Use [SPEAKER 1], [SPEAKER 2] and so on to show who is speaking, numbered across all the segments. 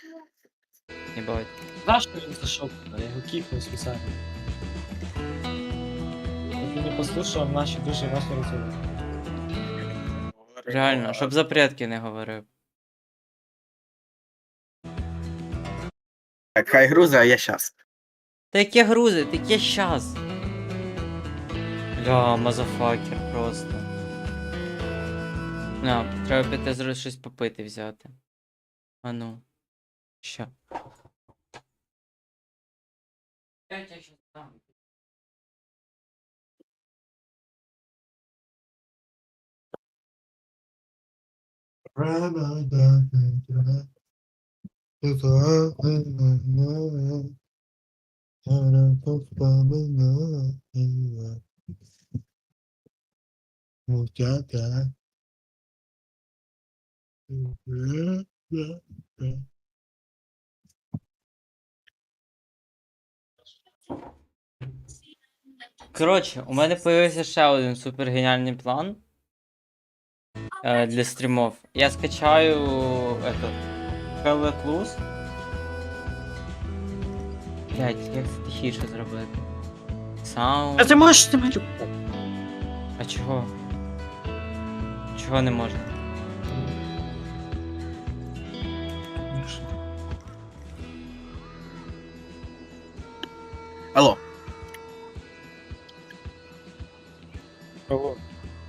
[SPEAKER 1] Ебать.
[SPEAKER 2] Знаєш, що він зайшов? Я його кікнув спеціально. Щоб він не послухав наші дуже важні розмови.
[SPEAKER 1] Реально, щоб за предки не говорив.
[SPEAKER 3] Так, хай грузи, а я щас.
[SPEAKER 1] Та яке грузи, таке щас. Бля, мазафакер просто. На, треба піти зараз щось попити взяти. А ну. Що? Я тебе щас дам. Коротше, у мене появився ще один супер геніальний план для стрімов. Я скачаю Hello. Блять, як це тихіше зробити? Саунд.
[SPEAKER 2] А ти можеш ти мене?
[SPEAKER 1] А чого? Чого не можна?
[SPEAKER 3] Алло.
[SPEAKER 2] Кого?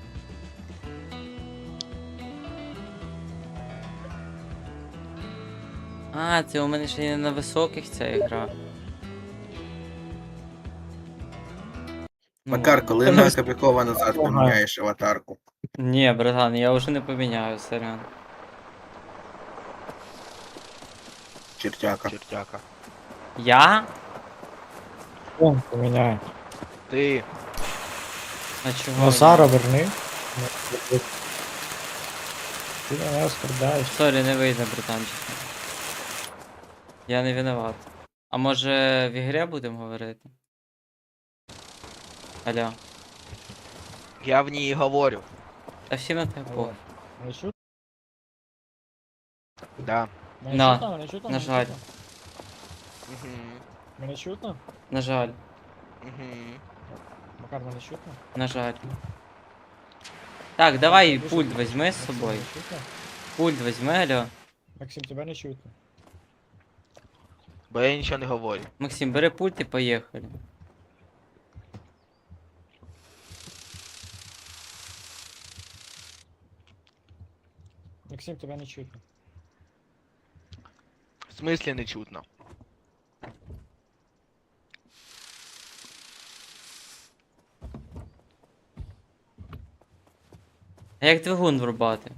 [SPEAKER 1] А, це у мене ще не на високих ця ігра. Ну,
[SPEAKER 3] Макар, коли на Кобякова назад поміняєш аватарку?
[SPEAKER 1] ні, братан, я вже не поміняю, сорян.
[SPEAKER 3] Чертяка.
[SPEAKER 4] Чертяка.
[SPEAKER 1] Я?
[SPEAKER 2] Он поміняє.
[SPEAKER 4] Ти.
[SPEAKER 1] А чого?
[SPEAKER 2] Назара верни. Ти мене оскорбляєш.
[SPEAKER 1] Сорі, не вийде, братанчик. Я не виноват. А може в ігрі будемо говорити? Алло.
[SPEAKER 4] Я в ній говорю.
[SPEAKER 1] Та всі на тебе похуй.
[SPEAKER 2] Мене чутно?
[SPEAKER 4] Да.
[SPEAKER 2] Мене
[SPEAKER 1] На.
[SPEAKER 2] чутно? Мене чутно?
[SPEAKER 1] На
[SPEAKER 2] Мене
[SPEAKER 1] жаль.
[SPEAKER 2] чутно?
[SPEAKER 4] Угу.
[SPEAKER 2] Мене чутно?
[SPEAKER 1] На жаль,
[SPEAKER 4] Угу.
[SPEAKER 2] Макар, мене чутно?
[SPEAKER 1] на жаль. Так, давай
[SPEAKER 2] Дуже
[SPEAKER 1] пульт
[SPEAKER 2] чутно.
[SPEAKER 1] візьми з
[SPEAKER 2] Максим,
[SPEAKER 1] собою.
[SPEAKER 2] мене чутно?
[SPEAKER 1] Пульт візьми, алло.
[SPEAKER 2] Максим, тебе не чутно.
[SPEAKER 4] Бо я нічого не говорю.
[SPEAKER 1] Максим, бери пульт і поїхали.
[SPEAKER 2] Максим, тебе не чутно.
[SPEAKER 4] В смислі не чутно.
[SPEAKER 1] А як двигун врубати?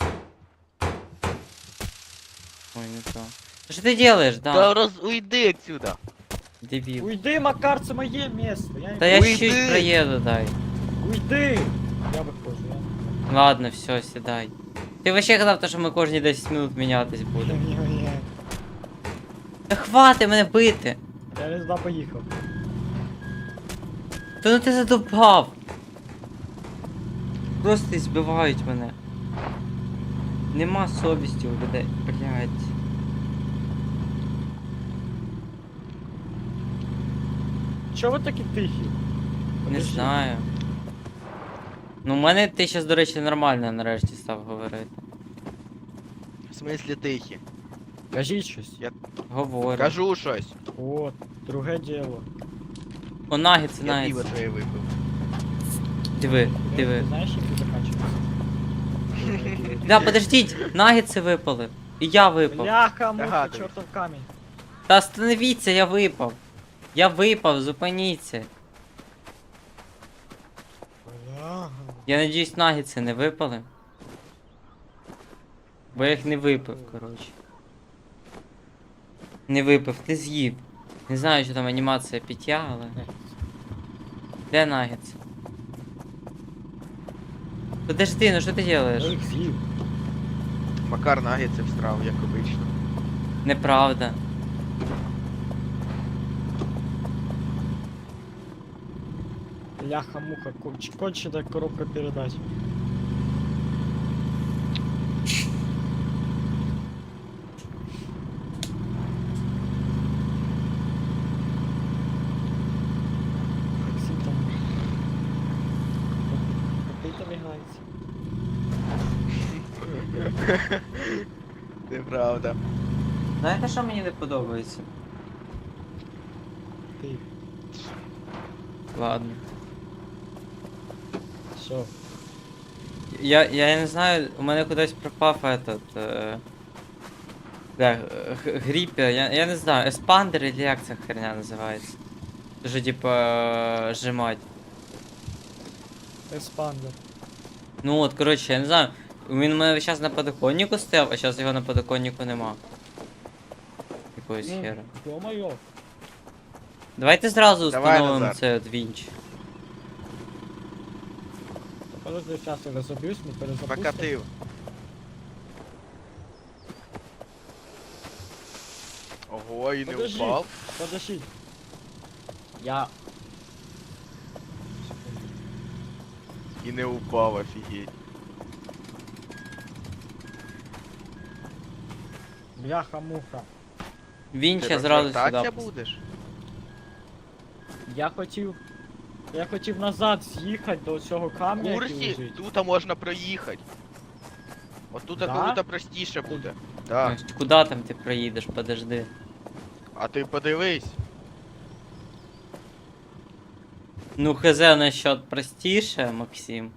[SPEAKER 1] Ой, не то. Та що ти делаєш,
[SPEAKER 4] Та
[SPEAKER 1] да?
[SPEAKER 4] уйди отсюда.
[SPEAKER 1] Дебіл.
[SPEAKER 2] Уйди, Макар, це моє місце. Я
[SPEAKER 1] Та
[SPEAKER 2] не...
[SPEAKER 1] я
[SPEAKER 4] Уйди.
[SPEAKER 1] чуть проїду, дай.
[SPEAKER 2] Уйди! Я виходжу, я...
[SPEAKER 1] Ладно, все, сідай. Ти вообще казав, що ми кожні 10 минут мінятись будемо.
[SPEAKER 2] Ні-ні-ні.
[SPEAKER 1] Та хвати мене бити!
[SPEAKER 2] Я не туди поїхав.
[SPEAKER 1] Та ну ти задовбав! Просто збивають мене. Нема совісті у людей, блядь.
[SPEAKER 2] Чого ви такі тихі?
[SPEAKER 1] Не
[SPEAKER 2] Подожди.
[SPEAKER 1] знаю. Ну, у мене ти щас, до речі, нормально нарешті став говорити.
[SPEAKER 4] В смислі тихі.
[SPEAKER 2] Кажіть щось.
[SPEAKER 1] Говорю.
[SPEAKER 4] Кажу щось.
[SPEAKER 2] От, друге діло.
[SPEAKER 1] О, нагіц,
[SPEAKER 4] Я пиво
[SPEAKER 1] нагіц.
[SPEAKER 4] твоє випив.
[SPEAKER 1] Диви,
[SPEAKER 2] Ти
[SPEAKER 1] диви.
[SPEAKER 2] знаєш, як це закінчується?
[SPEAKER 1] Да, подождіть, нагіци випали. І я випав.
[SPEAKER 2] Бляха, муха,
[SPEAKER 4] Догадуюсь.
[SPEAKER 2] чортов камінь.
[SPEAKER 1] Та остановіться, я випав. Я випав, зупиніться.
[SPEAKER 2] Бляха.
[SPEAKER 1] Я надіюсь, нагіци не випали. Бо я їх не випив, коротше. Не випив, ти з'їв. Не знаю, що там анімація пиття, але. Де нагіци? Подожди, ну що ти делаєш?
[SPEAKER 2] Я їх з'їв.
[SPEAKER 4] Макар нагіться встрав, як обично.
[SPEAKER 1] Неправда.
[SPEAKER 2] Бляха, муха, кончена коробка передач.
[SPEAKER 4] Неправда.
[SPEAKER 1] Знаєте, що мені не подобається?
[SPEAKER 2] Ти.
[SPEAKER 1] Ладно.
[SPEAKER 2] Що?
[SPEAKER 1] Я не знаю, у мене кудись пропав этот. Гріпер, я не знаю, еспандер или як ця херня називається. Дуже типа сжимать.
[SPEAKER 2] Еспандер.
[SPEAKER 1] Ну от, коротше, я не знаю. Він у мене зараз на подоконнику стояв, а зараз його на подоконнику нема. Якоїсь хера.
[SPEAKER 2] Ё-моё.
[SPEAKER 1] Давайте зразу
[SPEAKER 4] Давай,
[SPEAKER 1] встановимо
[SPEAKER 4] Назар.
[SPEAKER 1] цей от вінч.
[SPEAKER 2] Подожди, сейчас я разобьюсь, мы перезапустим.
[SPEAKER 4] Покатив. Ого, і не
[SPEAKER 2] Подожди.
[SPEAKER 4] упав.
[SPEAKER 2] Подожди. Я... Секунду.
[SPEAKER 4] І не упав, офігеть.
[SPEAKER 2] Бляха-муха.
[SPEAKER 1] Вінч
[SPEAKER 4] Ти
[SPEAKER 1] я зразу
[SPEAKER 4] розвертатися
[SPEAKER 1] сюди.
[SPEAKER 4] будеш?
[SPEAKER 2] Я хотів назад з'їхати до цього камня, який
[SPEAKER 4] Курсі,
[SPEAKER 2] лежить.
[SPEAKER 4] тут можна проїхати. От тут
[SPEAKER 2] Да?
[SPEAKER 4] круто простіше буде. Так.
[SPEAKER 1] Куда там ти проїдеш, подожди.
[SPEAKER 4] А ти подивись.
[SPEAKER 1] Ну хз насчет простіше, Максим.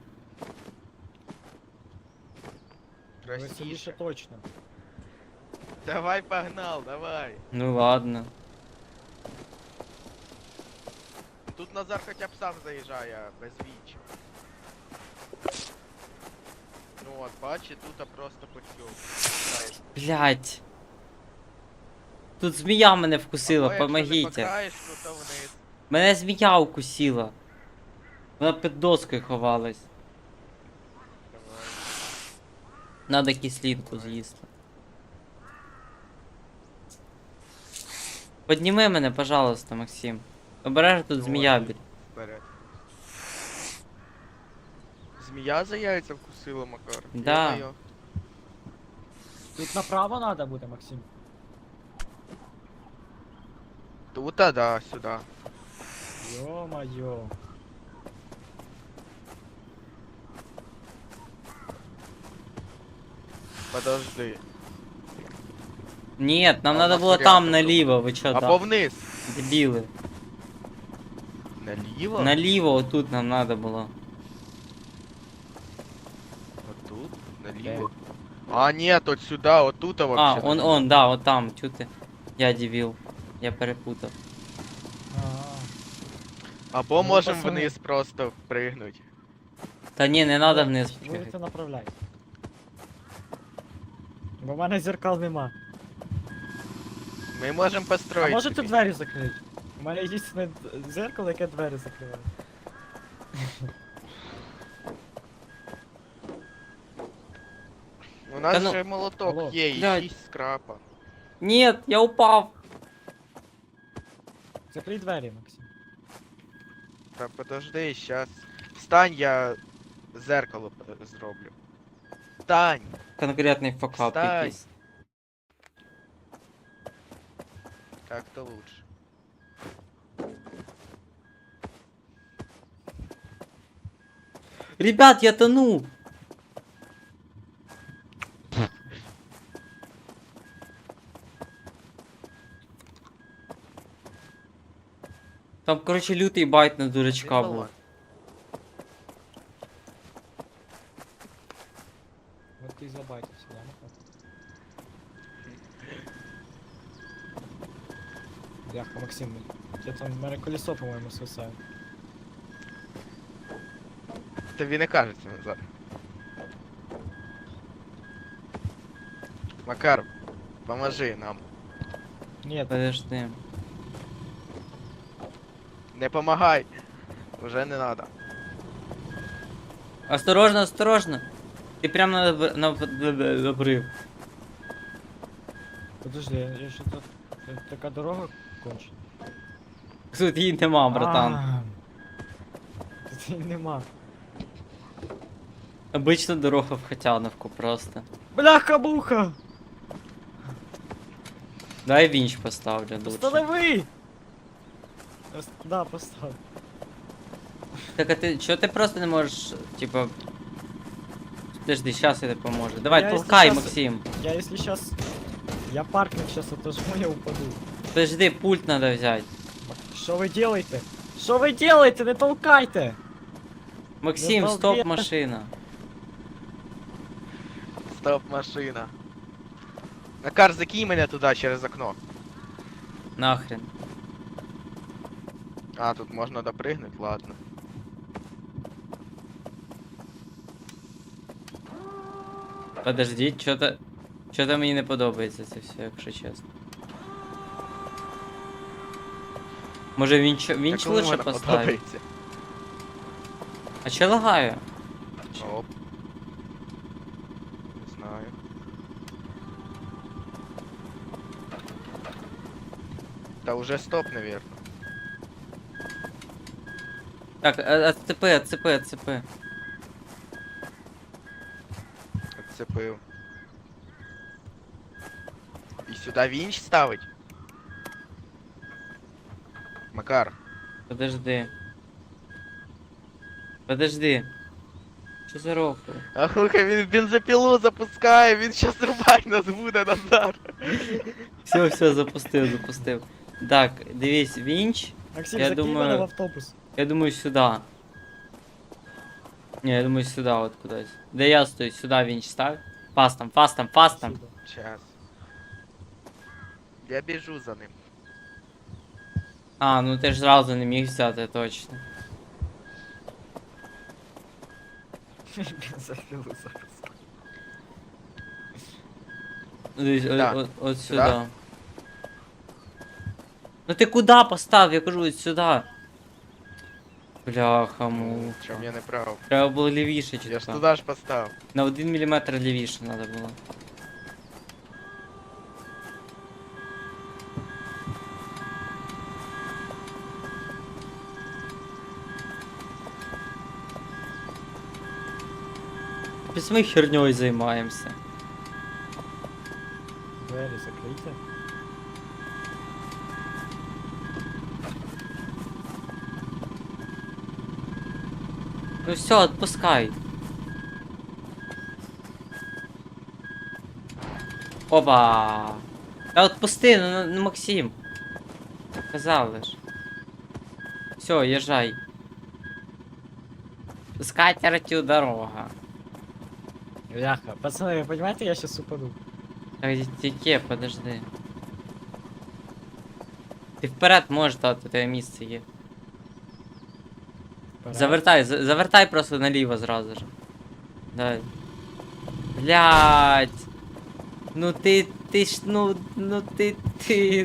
[SPEAKER 2] Веселіше
[SPEAKER 4] Простіше.
[SPEAKER 2] точно.
[SPEAKER 4] Давай погнал, давай.
[SPEAKER 1] Ну ладно.
[SPEAKER 4] Тут Назар хоча б сам заїжджає без віч. Ну от, бачиш, тут просто потьок.
[SPEAKER 1] Блять. Тут змія мене вкусила, помогите.
[SPEAKER 4] Покаєш, то вниз.
[SPEAKER 1] Мене змія укусила. Вона під доскою ховалась.
[SPEAKER 4] Давай.
[SPEAKER 1] Надо кислинку з'їсти. Подніми мене, пожалуйста, Максим. Обережно тут
[SPEAKER 4] Ну,
[SPEAKER 1] змія
[SPEAKER 4] ладно.
[SPEAKER 1] біля.
[SPEAKER 4] Вперед. Змія за яйця вкусила, Макар.
[SPEAKER 1] Да.
[SPEAKER 4] Ё-моё.
[SPEAKER 2] Тут направо надо буде, Максим.
[SPEAKER 4] Тут, да, сюди.
[SPEAKER 2] Ё-моё.
[SPEAKER 4] Подожди.
[SPEAKER 1] Нет, нам
[SPEAKER 4] А,
[SPEAKER 1] надо
[SPEAKER 4] у нас
[SPEAKER 1] было
[SPEAKER 4] вариантов
[SPEAKER 1] там
[SPEAKER 4] тут.
[SPEAKER 1] наліво, ви чо
[SPEAKER 4] Або
[SPEAKER 1] там?
[SPEAKER 4] вниз.
[SPEAKER 1] Дебіли.
[SPEAKER 4] Наліво?
[SPEAKER 1] Наліво отут нам надо було.
[SPEAKER 4] Отут? Наліво? А, нет, от сюди, отут
[SPEAKER 1] А,
[SPEAKER 4] вообще.
[SPEAKER 1] он, да, от там, чё ти? Я дебіл. Я перепутав.
[SPEAKER 4] Або
[SPEAKER 2] Ну,
[SPEAKER 4] можемо
[SPEAKER 2] пацани.
[SPEAKER 4] вниз просто пригнуть.
[SPEAKER 1] Та ні, не надо вниз
[SPEAKER 2] Будете
[SPEAKER 1] пригати.
[SPEAKER 2] направляти. Бо в мене зеркал нема.
[SPEAKER 4] Ми можемо
[SPEAKER 2] А
[SPEAKER 4] построїти.
[SPEAKER 2] можете
[SPEAKER 4] собі.
[SPEAKER 2] двері закрити? У мене єдине зеркало, яке двері закриває.
[SPEAKER 4] У нас
[SPEAKER 1] Та ну-
[SPEAKER 4] же молоток
[SPEAKER 2] Алло.
[SPEAKER 4] є, і
[SPEAKER 1] Блядь.
[SPEAKER 4] 6 скрапа.
[SPEAKER 1] Нет, я упав.
[SPEAKER 2] Закрий двері, Максим.
[SPEAKER 4] Та подожди, щас. Встань, я зеркало зроблю. Встань!
[SPEAKER 1] Конкретний факап
[SPEAKER 4] Встань.
[SPEAKER 1] якийсь.
[SPEAKER 4] Так то лучше.
[SPEAKER 1] Ребят, я тону. Там, короче, лютий байт на дурачка був.
[SPEAKER 2] От ти забайтився, да, Макар? Бляха, Максим, я там, в мене колесо, по-моєму, свисає.
[SPEAKER 4] Тобі не кажеться, Назар. Макар, поможи нам.
[SPEAKER 2] Ні,
[SPEAKER 1] Подожди.
[SPEAKER 4] Не помагай. Уже не надо.
[SPEAKER 1] Осторожно, осторожно. Ти прям на обрив.
[SPEAKER 2] подожди, я ще тут... Така дорога кончена.
[SPEAKER 1] Тут її нема, братан.
[SPEAKER 2] А, тут її нема.
[SPEAKER 1] Обична дорога в Хотяновку просто.
[SPEAKER 2] Бляха-буха!
[SPEAKER 1] Дай вінч поставлю лучше.
[SPEAKER 2] Останови! Да, постав.
[SPEAKER 1] Так а ти чого ти просто не можеш, типа, подожди, щас я тебе поможу. Давай,
[SPEAKER 2] Я,
[SPEAKER 1] толкай,
[SPEAKER 2] якщо щас-
[SPEAKER 1] Максим.
[SPEAKER 2] Я если сейчас... Я паркинг сейчас отожму, я упаду.
[SPEAKER 1] Подожди, пульт надо взять.
[SPEAKER 2] Що ви делаете? Що ви делаете? Не толкайте!
[SPEAKER 1] Максим,
[SPEAKER 2] Ну,
[SPEAKER 1] стоп,
[SPEAKER 2] балбес.
[SPEAKER 1] машина.
[SPEAKER 4] Стоп, машина. Макар, закинь мене туди через окно.
[SPEAKER 1] Нахрен.
[SPEAKER 4] А, тут можна допригнути, ладно.
[SPEAKER 1] Подожди, чого-то мені не подобається це все, якщо чесно. Може вінч
[SPEAKER 4] кому
[SPEAKER 1] лучше
[SPEAKER 4] вона
[SPEAKER 1] поставити?
[SPEAKER 4] подобається?
[SPEAKER 1] А чо лагаю?
[SPEAKER 4] Оп. Не знаю. Та уже стоп, наверное.
[SPEAKER 1] Так, отцепи.
[SPEAKER 4] Отцепив. І сюди вінч ставить? Макар.
[SPEAKER 1] Подожди. Що за рофл?
[SPEAKER 4] А слухай, він бензопилу запускає, він щас рубать нас буде, Назар.
[SPEAKER 1] Все, запустив. Так, дивись, вінч.
[SPEAKER 2] Максим,
[SPEAKER 1] Я
[SPEAKER 2] закинь
[SPEAKER 1] думаю-
[SPEAKER 2] мене в автобус.
[SPEAKER 1] Я думаю, сюда. Не, я думаю, сюда вот кудись. Де я стою, сюда вінч став. Фастом.
[SPEAKER 2] Сюда.
[SPEAKER 4] Час. Я біжу за ним.
[SPEAKER 1] А, ну ти ж зразу не міг взяти, точно.
[SPEAKER 2] Бензопилу запускаю.
[SPEAKER 1] Дивись,
[SPEAKER 4] Так,
[SPEAKER 1] от
[SPEAKER 4] сюди?
[SPEAKER 1] сюди. Ну ти куди постав? Я кажу, от сюди. Бляха, му.
[SPEAKER 4] Чому я не прав?
[SPEAKER 1] Треба було лівіше
[SPEAKER 4] Я ж
[SPEAKER 1] чітко.
[SPEAKER 4] туди ж поставив.
[SPEAKER 1] На 1 мм лівіше треба було. Без ми херньою займаємося.
[SPEAKER 2] Двері закрийте.
[SPEAKER 1] Ну все, отпускай. Опа. Та отпусти, ну Максим. Казав лиш. Все, їжджай. З катертю дорога.
[SPEAKER 2] Бляха. Пацаны, вы понимаете, я сейчас упаду.
[SPEAKER 1] Так, тільки, подожди. Ти вперед можеш дати, тебе місце є.
[SPEAKER 2] Пора.
[SPEAKER 1] Завертай просто наліво зразу ж. Давай. Блядь. Ну ти ж, ну ти.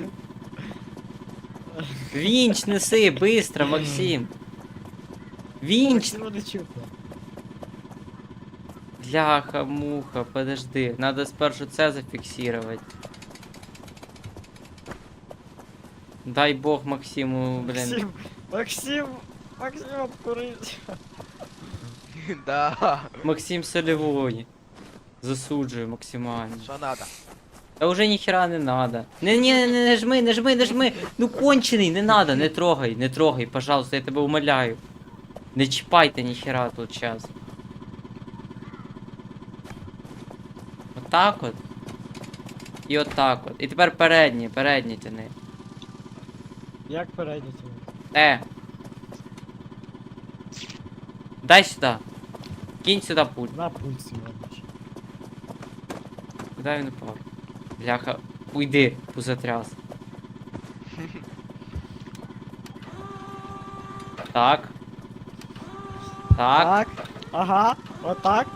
[SPEAKER 1] Вінч неси, быстро, Максим. Вінч.
[SPEAKER 2] Максиму не чутно.
[SPEAKER 1] Бляха, муха, подожди. Надо спершу це зафіксировать. Дай бог Максиму, блин.
[SPEAKER 2] Максим, обкурись.
[SPEAKER 4] Да.
[SPEAKER 1] Максим солевой. Засуджую максимально.
[SPEAKER 4] Що надо?
[SPEAKER 1] Та уже ніхера не надо. Не жми. Ну кончений, не надо, не трогай, пожалуйста, я тебе умоляю. Не чіпайте ніхера тут час. Отак от. І отак от. І тепер передні тяни.
[SPEAKER 2] Як перейдете?
[SPEAKER 1] Дай сюди. Кинь сюди пульт.
[SPEAKER 2] На пульт сьогодні.
[SPEAKER 1] Куди він упав? Бляха, уйди, пузатряс. Так. Так.
[SPEAKER 2] Ага, отак.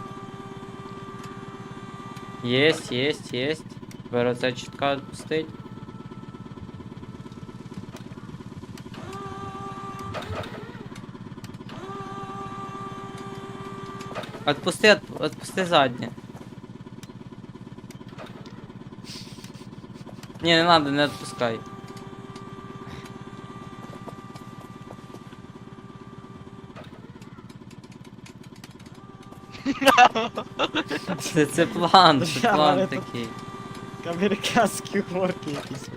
[SPEAKER 1] Єсть. Тепер оце чітко відпустить. Отпусти заднє. Ні, не надо, не відпускай. Це план
[SPEAKER 2] Я говорю, тут-
[SPEAKER 1] такий.
[SPEAKER 2] Американські горки якісь.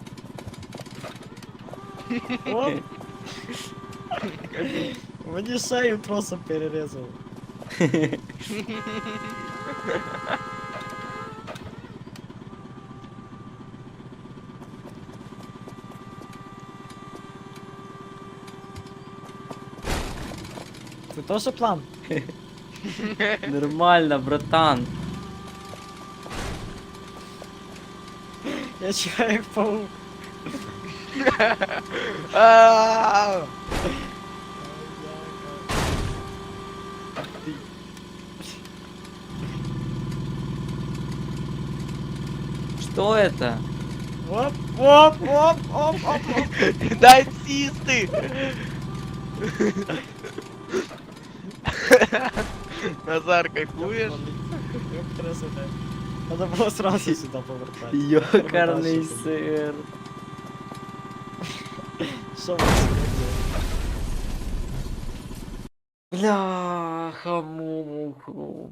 [SPEAKER 2] О! Мені шею тросом перерезав. Це теж план?
[SPEAKER 1] Нормально, братан.
[SPEAKER 2] Я чекаю як паук.
[SPEAKER 4] А,
[SPEAKER 1] Что это?
[SPEAKER 2] Оп, оп, оп, оп, оп, оп.
[SPEAKER 4] Дай сісти! Назар, кайфуєш?
[SPEAKER 2] Як красота. Надо було сразу сюди повертати.
[SPEAKER 1] Ёкарный
[SPEAKER 2] Дальше.
[SPEAKER 1] сыр.
[SPEAKER 2] Що ви сьогодні?
[SPEAKER 1] Бляха, муху.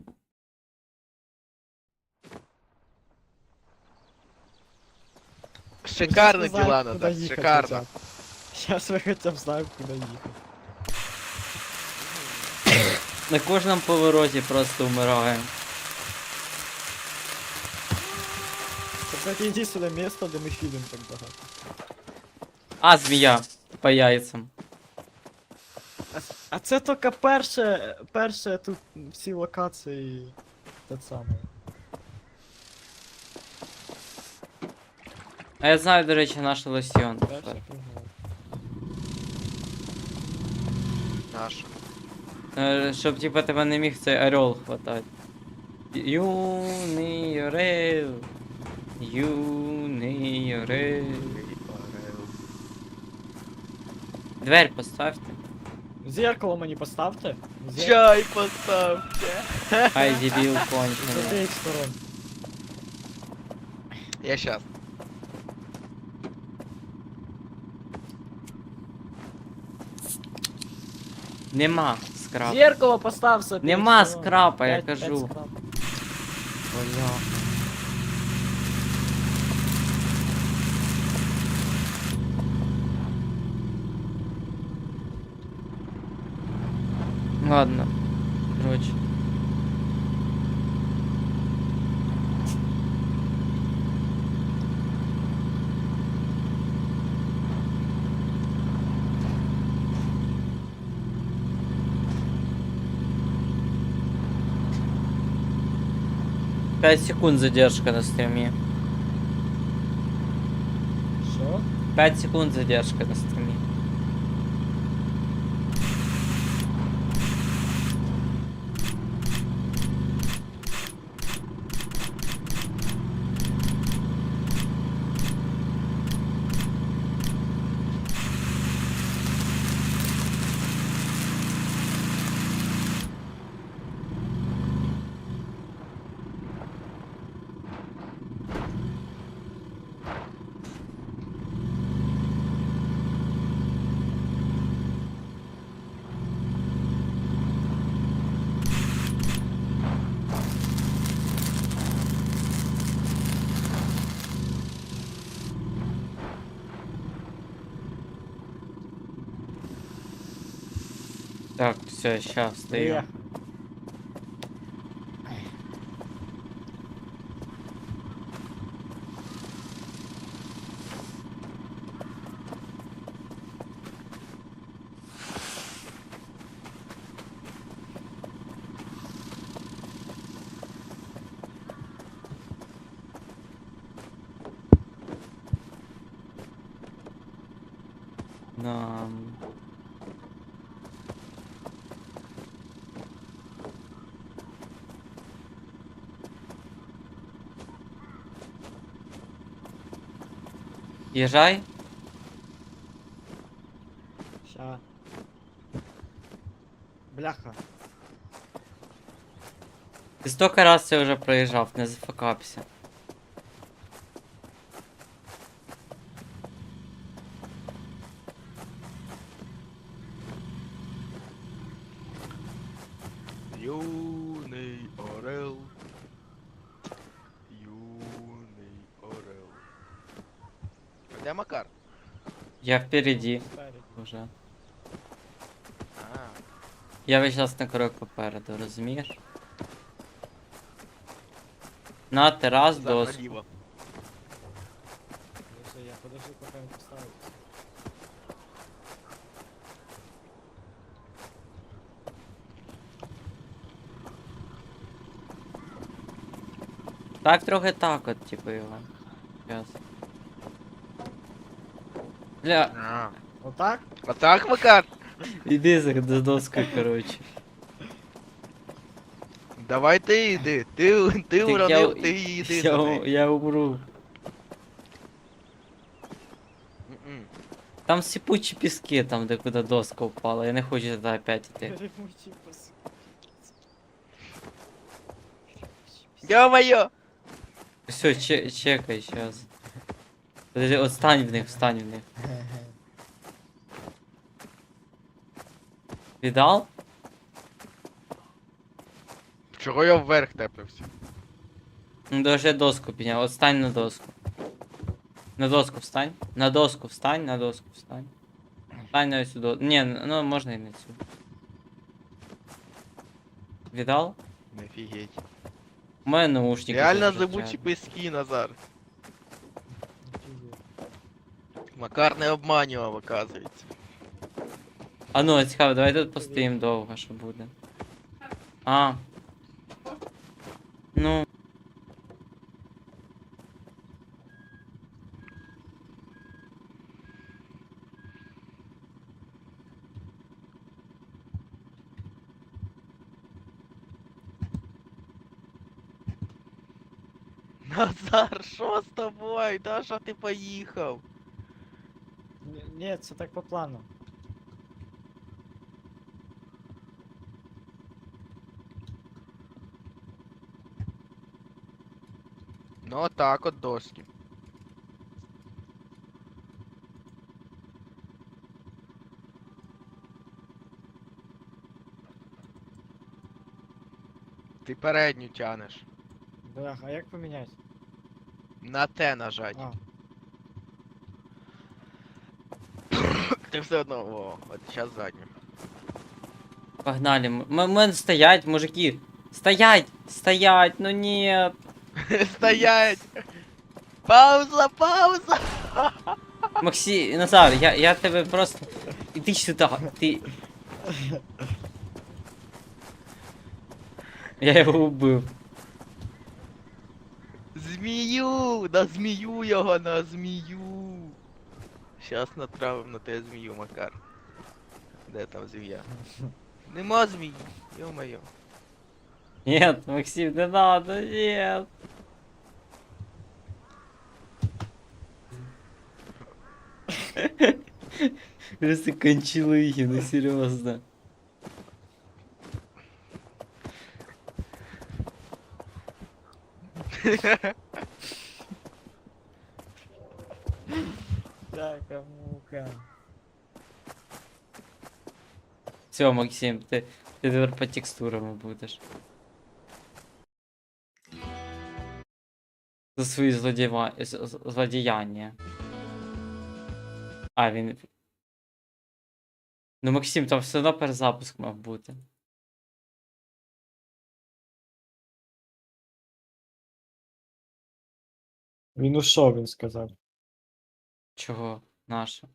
[SPEAKER 4] Шикарно діла, Назар, шикарно.
[SPEAKER 2] Сейчас ви хоча б знаємо, куди їхати.
[SPEAKER 1] На кожному повороті просто вмираємо.
[SPEAKER 2] Це, кстати, єдине місто, де ми філім так багато.
[SPEAKER 1] А, змія. По яйцам.
[SPEAKER 2] А це тільки перше тут всі локації те саме.
[SPEAKER 1] А я знаю, до речі, наш лосьон.
[SPEAKER 2] Перше пригод.
[SPEAKER 4] Наш.
[SPEAKER 1] Щоб типа тебе не міг цей орел хватати. Юний орел. Юний орел. Дверь поставте.
[SPEAKER 2] Зеркало мені поставте.
[SPEAKER 4] Чай поставте.
[SPEAKER 1] Ай, дебіл
[SPEAKER 2] З
[SPEAKER 1] кончений.
[SPEAKER 2] обеих сторон.
[SPEAKER 4] Я щас.
[SPEAKER 1] Нема скрапа.
[SPEAKER 2] Зеркало постав з обеих
[SPEAKER 1] Нема
[SPEAKER 2] сторон.
[SPEAKER 1] скрапа, я
[SPEAKER 2] П'ять
[SPEAKER 1] кажу.
[SPEAKER 2] скрап.
[SPEAKER 1] Бля. Ладно. Короче. Пять секунд задержка на стриме.
[SPEAKER 2] Що?
[SPEAKER 1] 5 секунд задержка на стриме. Так, все, сейчас стою.
[SPEAKER 2] Приїхав.
[SPEAKER 1] Нам. Езжай.
[SPEAKER 2] Ща. Бляха.
[SPEAKER 1] Ты столько раз це вже проїжджав, не зафакапся.
[SPEAKER 4] Юний орел. Юний орел. А де Макар?
[SPEAKER 1] Я впереди
[SPEAKER 2] Спереді.
[SPEAKER 1] уже.
[SPEAKER 4] А,
[SPEAKER 1] Я весь час на крок попереду, розумієш? На терас
[SPEAKER 4] Так,
[SPEAKER 1] доску.
[SPEAKER 4] наліво.
[SPEAKER 2] Подожди, я подожди, поки він поставить.
[SPEAKER 1] Так трохи так от, типу, його. Щас. Бля,
[SPEAKER 4] А.
[SPEAKER 2] Отак?
[SPEAKER 4] А так, Макар?
[SPEAKER 1] іди за доскою, коротше.
[SPEAKER 4] Давай ти йди. Ти
[SPEAKER 1] Так
[SPEAKER 4] уронив, ти йди за нею.
[SPEAKER 1] я умру.
[SPEAKER 4] М-м.
[SPEAKER 1] Там сипучі піски, там де куди доска впала. Я не хочу туди опять іти.
[SPEAKER 2] Ремучі пос...
[SPEAKER 4] Ё-моё!
[SPEAKER 1] Все, чекай сейчас. Подожди, от встань в них, встань в них. Віддал?
[SPEAKER 4] Чого я вверх теплився?
[SPEAKER 1] Ну даже доску підняв. От стань на доску. На доску встань. На доску встань, на доску встань. Встань на сюди. Ні, ну можна і не сюди. Віддал?
[SPEAKER 4] Офігеть.
[SPEAKER 1] У мене наушники.
[SPEAKER 4] Реально
[SPEAKER 1] тут
[SPEAKER 4] зибучі
[SPEAKER 1] кричать.
[SPEAKER 4] пески, Назар. Макар не обманював, оказується.
[SPEAKER 1] А ну, цікаво, давай тут постоїмо довго, що буде. А. Ну.
[SPEAKER 4] Назар, що з тобою? Да що ти поїхав?
[SPEAKER 2] Ні, це так по плану.
[SPEAKER 4] Ну отак от доски. Ти передню тянеш.
[SPEAKER 2] Бляха, а як поміняти?
[SPEAKER 4] На те нажать.
[SPEAKER 2] А,
[SPEAKER 4] Ти все одно, о, от зараз задню.
[SPEAKER 1] Погнали. Мен стоять, мужики. Стоять! Стоять! Ну нет!
[SPEAKER 4] Стоять! Пауза, пауза!
[SPEAKER 1] Максі, Назар, я тебе просто. Іди сюди, ти. Я його убив.
[SPEAKER 4] Змію! На змію його, на змію! Щас натравим на те змію, Макар. Де там змія? Нема змії, ё-моё.
[SPEAKER 1] Нет, Максим, не надо, нет. Просто кончилыги, ну серьезно.
[SPEAKER 2] така мука.
[SPEAKER 1] Все, Максим, ти тепер по текстурам будеш. За свої злодіяння. А, він. Ну, Максим, там все одно перезапуск мав бути.
[SPEAKER 2] Він ушов, він сказав.
[SPEAKER 1] Чого? Наше?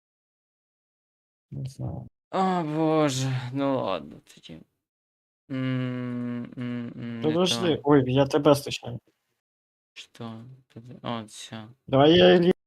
[SPEAKER 2] Не знаю.
[SPEAKER 1] О, боже, ну ладно тоді. Не
[SPEAKER 2] Подожди.
[SPEAKER 1] то.
[SPEAKER 2] Ой, я тебе стачаю.
[SPEAKER 1] Що? О, все.
[SPEAKER 2] Давай я